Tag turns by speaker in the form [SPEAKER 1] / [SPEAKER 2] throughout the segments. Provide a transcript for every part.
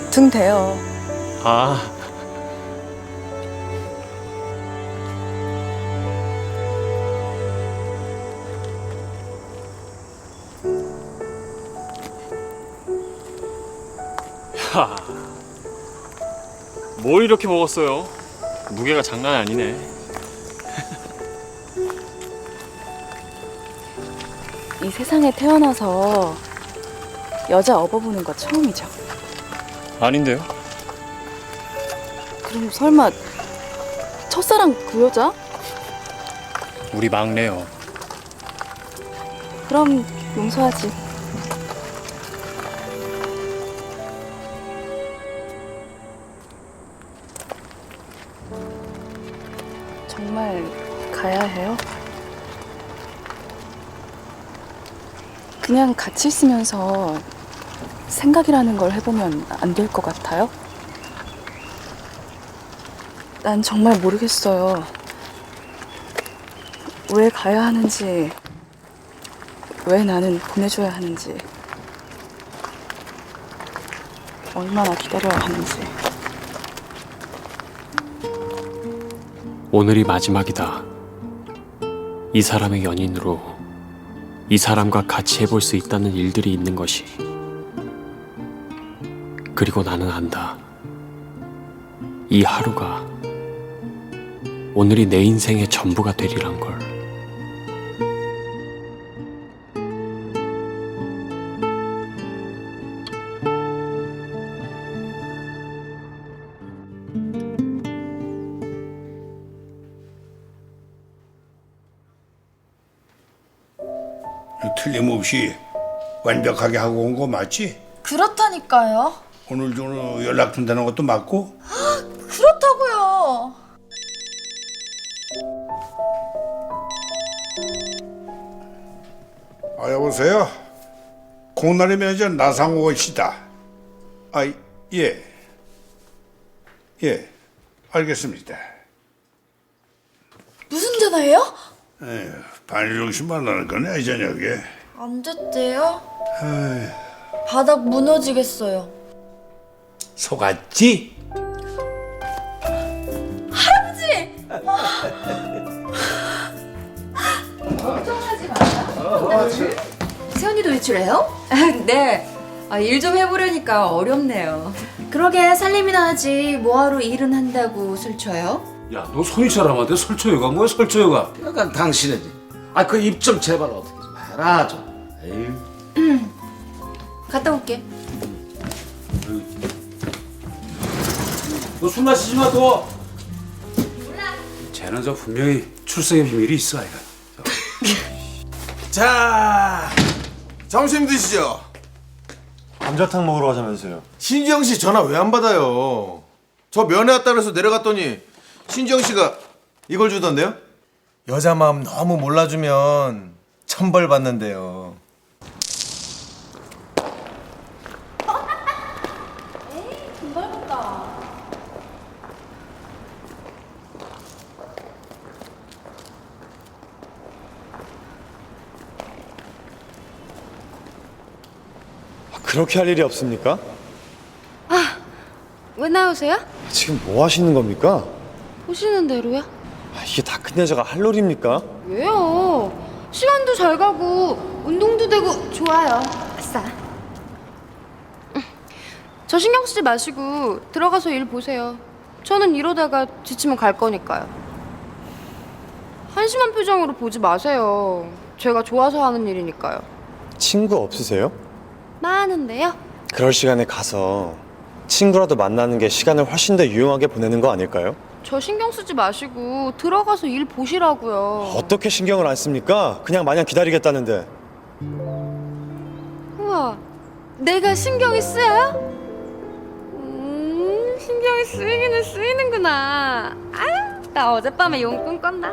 [SPEAKER 1] 등 대요.
[SPEAKER 2] 아, 야, 뭘 이렇게 먹었어요? 무게가 장난이 아니네.
[SPEAKER 1] 이 세상에 태어나서 여자 업어보는 거 처음이죠.
[SPEAKER 2] 아닌데요?
[SPEAKER 1] 그럼 설마 첫사랑 그 여자?
[SPEAKER 2] 우리 막내요.
[SPEAKER 1] 그럼 용서하지. 정말 가야 해요? 그냥 같이 있으면서 생각이라는 걸 해보면 안 될 것 같아요? 난 정말 모르겠어요. 왜 가야 하는지, 왜 나는 보내줘야 하는지, 얼마나 기다려야 하는지.
[SPEAKER 2] 오늘이 마지막이다. 이 사람의 연인으로 이 사람과 같이 해볼 수 있다는 일들이 있는 것이. 그리고 나는 안다. 이 하루가 오늘이 내 인생의 전부가 되리란 걸.
[SPEAKER 3] 틀림없이 완벽하게 하고 온 거 맞지?
[SPEAKER 4] 그렇다니까요.
[SPEAKER 3] 오늘 중으로 연락 준다는 것도 맞고?
[SPEAKER 4] 그렇다고요.
[SPEAKER 3] 여보세요? 공나리 매니저 나상호 씨다. 예. 예, 알겠습니다.
[SPEAKER 4] 무슨 전화예요?
[SPEAKER 3] 반일용 씨 만나는 거네, 이 저녁에.
[SPEAKER 4] 안 됐대요. 바닥 무너지겠어요.
[SPEAKER 3] 속았지?
[SPEAKER 5] 세연이도 외출해요? 네. 일 좀 해보려니까 어렵네요. 그러게 살림이나 하지 뭐하러 일은 한다고 술 쳐요?
[SPEAKER 6] 야, 너 손이 사람한테 설초여가 뭐야, 설초여가? 약간 당신이지. 그 입 좀 제발 어떻게 좀 해라 좀. 에휴.
[SPEAKER 5] 갔다 올게.
[SPEAKER 6] 너 술 마시지 마, 또. 쟤는 저 분명히 출생의 비밀이 있어, 아이가.
[SPEAKER 7] 자, 점심 드시죠.
[SPEAKER 8] 감자탕 먹으러 가자면서요.
[SPEAKER 7] 신지영 씨 전화 왜 안 받아요? 저 면회 왔다 그래서 내려갔더니 신지영 씨가 이걸 주던데요? 여자 마음 너무 몰라주면 천벌 받는데요.
[SPEAKER 8] 그렇게 할 일이 없습니까?
[SPEAKER 9] 왜 나오세요?
[SPEAKER 8] 지금 뭐 하시는 겁니까?
[SPEAKER 9] 보시는 대로요.
[SPEAKER 8] 이게 다 큰 여자가 할 놀입니까?
[SPEAKER 9] 왜요? 시간도 잘 가고 운동도 되고 좋아요. 아싸. 저 신경 쓰지 마시고 들어가서 일 보세요. 저는 이러다가 지치면 갈 거니까요. 한심한 표정으로 보지 마세요. 제가 좋아서 하는 일이니까요.
[SPEAKER 8] 친구 없으세요?
[SPEAKER 9] 많은데요?
[SPEAKER 8] 그럴 시간에 가서 친구라도 만나는 게 시간을 훨씬 더 유용하게 보내는 거 아닐까요?
[SPEAKER 9] 저 신경 쓰지 마시고 들어가서 일 보시라고요.
[SPEAKER 8] 어떻게 신경을 안 씁니까? 그냥 마냥 기다리겠다는데.
[SPEAKER 9] 우와, 내가 신경이 쓰여요? 신경이 쓰이기는 쓰이는구나. 아유, 나 어젯밤에 용꿈 꿨나?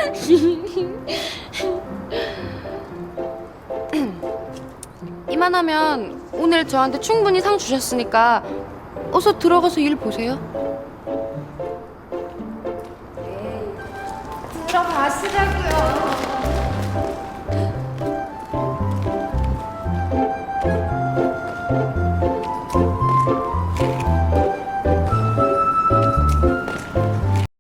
[SPEAKER 9] 이만하면 오늘 저한테 충분히 상 주셨으니까 어서 들어가서 일 보세요. 들어가시라고요.